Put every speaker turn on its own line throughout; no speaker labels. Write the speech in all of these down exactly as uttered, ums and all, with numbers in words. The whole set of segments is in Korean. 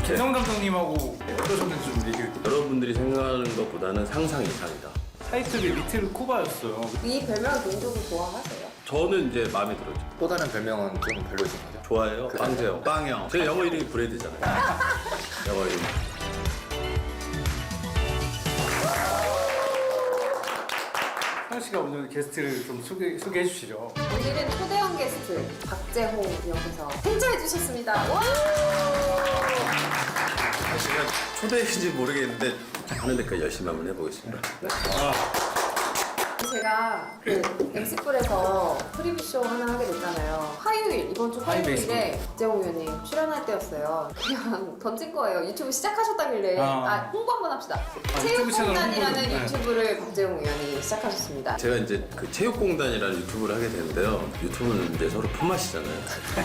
김성 감독님하고 어떠셨는지 좀 얘기해 주세요.
여러분들이 생각하는 것보다는 상상 이상이다.
타이틀이 리틀 쿠바였어요.
이 별명을 개인적으로 좋아하세요?
저는 이제 마음에 들었죠.
또 다른 별명은 좀 별로신 거죠?
좋아해요. 빵재요. 빵형. 제 영어 이름이 브레드잖아요. 영어 이름.
하영 씨가 오늘 게스트를 좀 소개, 소개해 주시죠.
오늘은 초대형 게스트 박재홍 역에서 행차해 주셨습니다. 와!
제가 초대인지 모르겠는데 하는 데까지 열심히 한번 해보겠습니다.
제가 그 엠씨풀에서 프리뷰쇼 하나 하게 됐잖아요. 화요일, 이번 주 화요일에 박재홍 의원님 출연할 때였어요. 그냥 던진 거예요. 유튜브 시작하셨다길래
아,
아 홍보 한번 합시다.
유튜브 채널
체육공단이라는
홍보 좀, 네.
유튜브를 박재홍 의원이 시작하셨습니다.
제가 이제 그 체육공단이라는 유튜브를 하게 되는데요. 유튜브는 이제 서로 품맛이잖아요.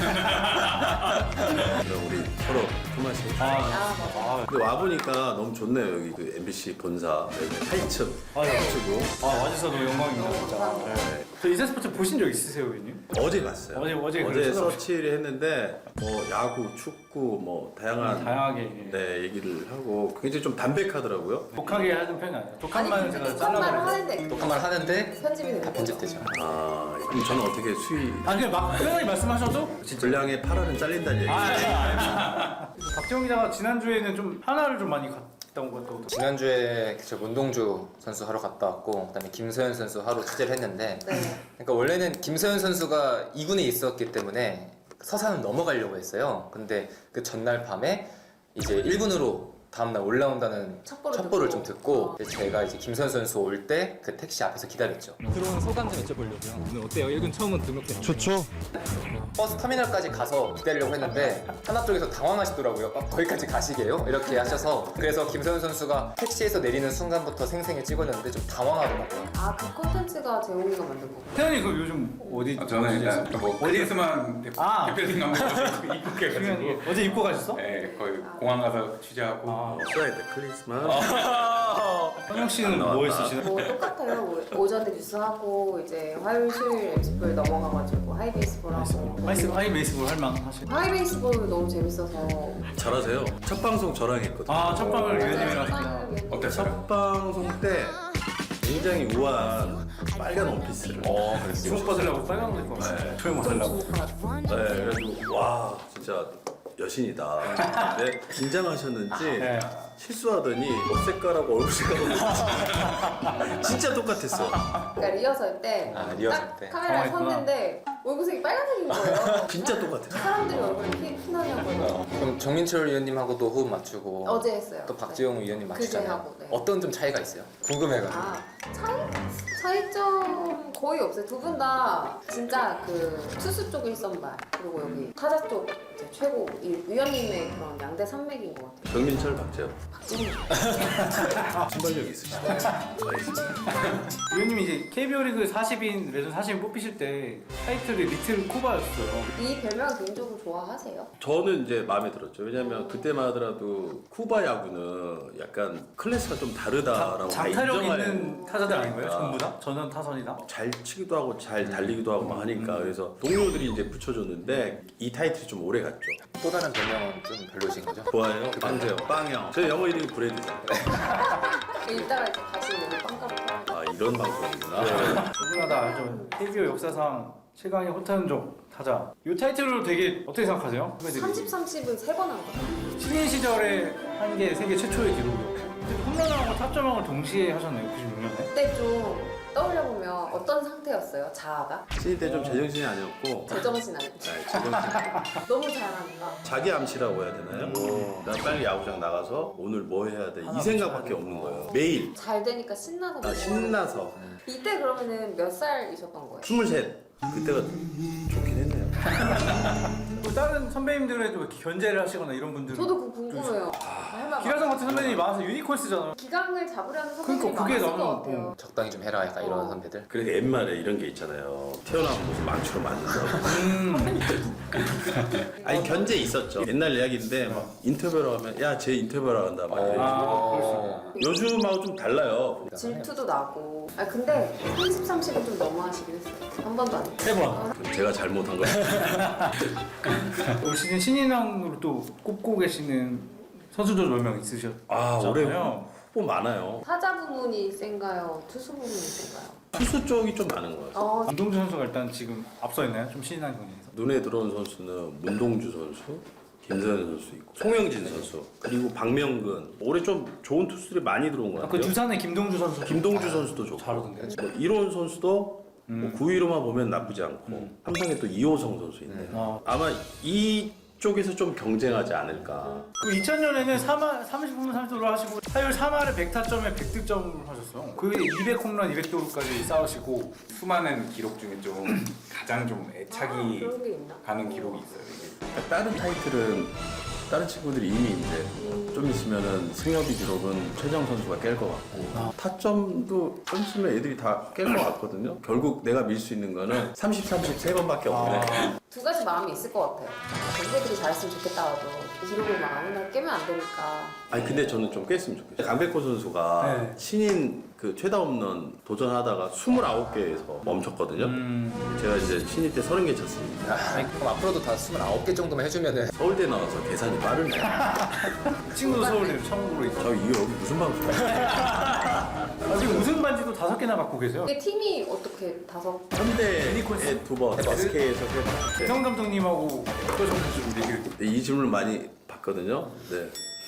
그럼 우리 서로 품맛이.
아,
아, 맞아.
아,
근데 와보니까 너무 좋네요. 여기 그 엠비씨 본사 팔 층.
아, 네.
치고
아, 와주셔서 너무 영광입니다, 진짜.
감사합니다.
네. 저 이세스포츠 보신 적 있으세요, 의원님?
어제 갔어요.
어제, 어제
어제
그래서
서치를 했는데 뭐 야구, 축구 뭐 다양한
다양하게.
네 얘기를 하고 굉장히 좀 담백하더라고요.
독하게 하는 편이 아니에요. 독한
아니
말은
근데
제가
독한 말을
잘라버려요.
하는데
독한 말 하는데
편집이 되는
다
거죠.
편집되죠.
아 그럼 저는 어떻게 수위
아, 그냥 막 편하게 말씀하셔도 진짜.
분량의 팔 알은 잘린다는 얘기.
아, 아, 아. 박재홍 기자가 지난주에는 좀 하나를 좀 많이 갔다 온 것 같다고.
지난주에 저 문동주 선수 하러 갔다 왔고 그다음에 김서현 선수 하러 취재를 했는데
네.
그러니까 원래는 김서현 선수가 이 군에 있었기 때문에 서산을 넘어가려고 했어요. 근데 그 전날 밤에 이제 일 군으로 다음날 올라온다는
첩보를
첩보를
듣고.
좀 듣고
어.
제가 이제 김서현 선수 올 때 그 택시 앞에서 기다렸죠.
들어온 소감 좀 여쭤보려고요. 오늘 어때요? 일 군 처음 등록된 좋죠.
버스 터미널까지 가서 기다리려고 했는데 하나 쪽에서 당황하시더라고요. 어, 거기까지 가시게요? 이렇게 하셔서 그래서 김서현 선수가 택시에서 내리는 순간부터 생생히 찍었는데 좀 당황하더라고요.
아, 그 콘텐츠가 재홍이가 만든 거고.
태연이 그럼 요즘 어디?
아, 저는 일단 뭐 어디에서만 대-
아.
대표팀 감독으로
중요한
입국해가지고
게 어제 입고 가셨어?
네, 거의 공항 가서 취재하고
아.
써야 돼 크리스마스.
현영 씨는 뭐 했으시나요?
뭐 똑같아요. 뭐 오전에 뉴스 하고 이제 화요일, 수요일 엠씨풀 넘어가가지고 하이베이스볼 하고.
하이스 하이 베이스볼 할만 하시고.
하이베이스볼 너무 재밌어서.
잘하세요. 첫 방송 저랑 했거든요.
아, 첫 방을 위원님이랑
맞아요.
하셨구나.
어땠어요?
첫 방송 때 굉장히 우아한 빨간 원피스를.
어, 그랬어요.
주목 받으려고 빨간 거 입고 왔어요. 조용 받으려고.
네, 그래가지고 와 진짜 여신이다. 근데 긴장하셨는지
네.
실수하더니 옷 색깔하고 얼굴 색깔하고 진짜 똑같았어.
그러니까 리허설 때
아, 리허설
딱
때.
카메라에
당황했구나.
섰는데 얼굴색이 빨간색인 거예요.
진짜 똑같았어.
사람들이 얼굴에 피, 피나냐고요.
그럼 정민철 위원님하고도 호흡 맞추고
어제 했어요.
또 박지영 위원님
그제
맞추잖아요.
하고, 네.
어떤 좀 차이가 있어요? 궁금해가지고.
아, 차이? 차이점 거의 없어요. 두 분 다 진짜 그 투수 쪽 일선발 그리고 여기 타자 쪽 이제 최고 이 위원님의 그런 양대 산맥인 것 같아요.
정민철 박재현
박진우.
순발력 있으시다.
위원님이 이제 케이비오 리그 사십 인 레전 사십 인 뽑히실 때 타이틀이 리틀 쿠바였어요.
이 별명 개인적으로 좋아하세요?
저는 이제 마음에 들었죠. 왜냐면 그때만 하더라도 쿠바 야구는 약간 클래스가 좀 다르다라고 다
장타력
인정할
있는 타자들 아닌가요?
아.
전부 다? 전원 타선이다?
잘 치기도 하고 잘 달리기도 하고 막 하니까 그래서 동료들이 이제 붙여줬는데 이 타이틀이 좀 오래 갔죠.
또 다른 별명은 좀 별로신 거죠?
좋아해요. 빵재요. 빵형. 제 영어 이름이 브레드잖아요.
이따가 이제 다시 오늘 빵가루
아 이런 방송이구나.
누구나 다 알죠. 케이비오 역사상 최강의 호탄족 타자. 이 타이틀로 되게 어떻게 생각하세요?
삼십, 삼십은 세 번 한 거예요.
신인 시절에 한 게 세계 최초의 기록이요. 홈런왕하고 타점왕을 동시에 하셨네요. 구십육 년에.
그때 좀 떠올려보면 어떤 상태였어요? 자아가?
신인 때 좀 제정신이 아니었고
제정신 아니고
네, 제정신.
너무 잘하니까
자기 암시라고 해야 되나요? 난 빨리 야구장 나가서 오늘 뭐 해야 돼 이 생각밖에 없는 거예요. 매일
잘 되니까 신나서
아, 신나서
이때 그러면은 몇 살이셨던 거예요?
스물셋 그때가 좋긴 했네요.
또 다른 선배님들에도 이렇게 견제를 하시거나 이런 분들.
저도 그거 궁금해요. 할말
기라성 같은 선배님이 많아서 유니콘 쓰잖아요.
기강을 잡으려는 선배님이
그러니까 그게
많았을 것
너무-
같아요.
적당히 좀 해라 약간 이런
어.
선배들.
그래서 옛말에 이런 게 있잖아요. 태어나면 무슨 망치로 맞는다고. 아니 견제 있었죠. 옛날 이야기인데 막 인터뷰를 하면 야 쟤 인터뷰하러 간다 막 이래.
아,
요즘하고 좀 달라요.
질투도 나고. 아 근데 삼십, 삼십은 좀 너무하시긴 했어요. 한 번도 안 했어요.
세 번.
제가 잘못한 거.
올 시즌 신인왕으로 또 꼽고 계시는 선수들 몇 명 있으셨잖아요.
아 올해 후보 많아요.
타자 부문이 센가요? 투수 부문이 센가요?
투수 쪽이 좀 많은 것 같아요.
어,
김동주 선수가 일단 지금 앞서 있나요? 좀 신인한 경기에서.
눈에 들어온 선수는 문동주 선수, 김서현 선수 있고 송영진 선수 그리고 박명근 올해 좀 좋은 투수들이 많이 들어온 것
아, 그
같아요.
두산의 김동주 선수.
김동주 선수도 좋고
잘하던데.
뭐 이론 선수도
음.
뭐 구위로만 보면 나쁘지 않고
음.
삼성에 또 이호성 선수 있네요.
아.
아마 이쪽에서 좀 경쟁하지 않을까.
그 이천 년에는 삼 할, 삼십 홈런 삼십 도루 하시고 타율 삼 할에 백 타점에 백 득점을 하셨어요. 그 이백 홈런 이백 도루까지 쌓으시고
수많은 기록 중에 좀 가장 좀
아,
애착이
그런 게 있나?
가는 기록이 있어요. 이게.
그러니까 다른 타이틀은 다른 친구들이 이미 있는데 좀 있으면은 승엽이 기록은 최정 선수가 깰 것 같고 타점도 좀 있으면 애들이 다 깰 것 같거든요. 결국 내가 밀 수 있는 거는 삼십, 삼십 세 번밖에 없네.
두 가지 마음이 있을 것 같아요. 동료들이 잘했으면 좋겠다가도 기록을 막 아무나 깨면 안 되니까.
아니 근데 저는 좀 깼으면 좋겠어요. 강백호 선수가
네.
신인 그 최다 홈런 도전하다가 스물아홉 개에서 멈췄거든요.
음.
제가 이제 신인 때 서른 개 쳤습니다.
아, 그럼 앞으로도 다 스물아홉 개 정도만 해주면은
서울대 나와서 계산이 빠르네.
친구도 서울대 처음으로 있고.
저 이거 여기 무슨 방송이야?
아, 지금 우승 반지도 다섯 개나 갖고 계세요.
근데 팀이 어떻게 다섯
현대에
유니콘스?
두 번, 에스케이에서 세 번. 네.
대성 감독님하고 어떠셨는지 좀 얘기를.
네, 이 질문을 많이 받거든요. 네.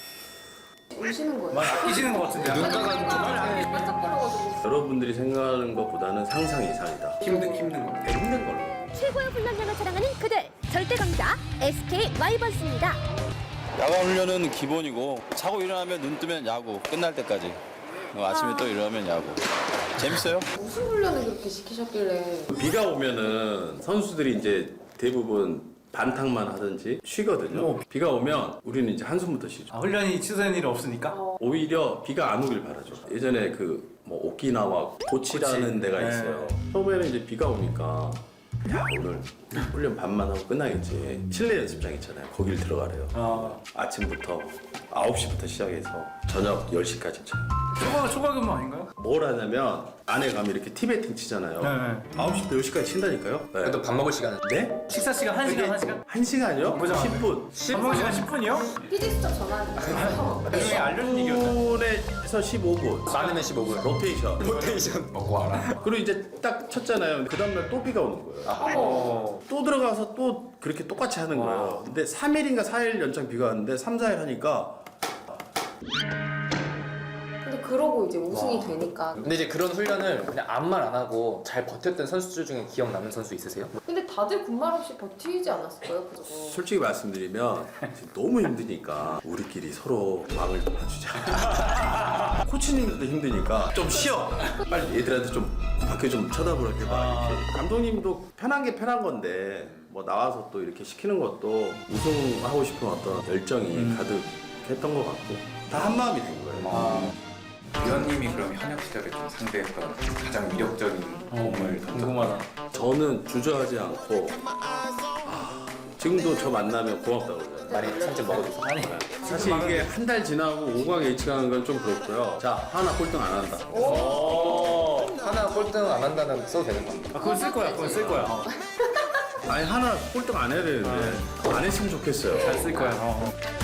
우시는 거예요?
많이 아끼시는 것 같은데.
눈가가 좀
눈가가 반짝거려가지고.
여러분들이 생각하는 것보다는 상상 이상이다.
힘든 힘든 거.
되게 힘든 걸로.
최고의 훈련량을 자랑하는 그들 절대 강자 에스케이 와이번스입니다.
야간 훈련은 기본이고 자고 일어나면 눈 뜨면 야구 끝날 때까지 그리고 아침에 또 일어나면 야구 재밌어요?
무슨 훈련을 그렇게 시키셨길래?
비가 오면은 선수들이 이제 대부분 반탕만 하든지 쉬거든요.
어.
비가 오면 우리는 이제 한숨부터 쉬죠.
아, 훈련이 취소된 일이 없으니까.
어,
오히려 비가 안 오길 바라죠. 예전에 그 뭐 오키나와 고치라는
고치.
데가
네.
있어요. 처음에는 이제 비가 오니까 야 오늘 훈련 반만 하고 끝나겠지. 실내 연습장 있잖아요. 거길 들어가래요.
아,
아침부터 아홉 시부터 시작해서 저녁 열 시까지 쳐요.
초과 초과 근무 아닌가요?
뭘 하냐면 안에 가면 이렇게 티베팅 치잖아요.
네.
아홉 시부터 열 시까지 친다니까요. 네.
그래도 밥 먹을 시간은
네?
식사 시간 한 시간 한 시간?
한 시간이요?
보자.
십 분.
밥 먹는 시간 십 분이요?
피디 수첩 전화해주세요.
나중에 알려준 얘기였다.
십 분에서 십오 분.
많으면 십오 분.
로테이션.
로테이션.
먹고 와라.
그리고 이제 딱 쳤잖아요. 그 다음날 또 비가 오는 거예요.
어.
또 들어가서 또 그렇게 똑같이 하는 거예요. 근데 삼 일인가 사 일 연장 비가 왔는데 삼, 사 일 하니까
근데 그러고 이제 우승이 되니까.
근데 이제 그런 훈련을 그냥 아무 말 안 하고 잘 버텼던 선수들 중에 기억 남는 선수 있으세요?
근데 다들 군말 없이 버티지 않았을까요? 그거.
솔직히 말씀드리면 지금 너무 힘드니까 우리끼리 서로 마음을 놔주자. 코치님들도 힘드니까 좀 쉬어. 빨리 얘들한테 좀 밖에 좀 쳐다보라게 봐. 이렇게. 감독님도 편한 게 편한 건데 뭐 나와서 또 이렇게 시키는 것도 우승하고 싶은 어떤 열정이 가득했던 것 같고 다 한 마음이 된 거예요.
위원님이 그럼 현역 시절에 좀 상대했던 가장 위력적인 공을 던져.
궁금하다.
저는 주저하지 않고 아, 지금도 저 만나면 고맙다고 그러잖아요.
많이 삼점 먹어줘서.
아니.
사실 이게 한 달 지나고 오 강 예측하는 건 좀 그렇고요. 자, 하나 꼴등 안 한다.
하나 꼴등 안 한다는 써도 되는 건가?
아, 그건 쓸 거야. 그건 쓸 거야. 어.
아니, 하나 꼴등 안 해야 되는데 안 했으면 좋겠어요.
잘 쓸 거야. 어.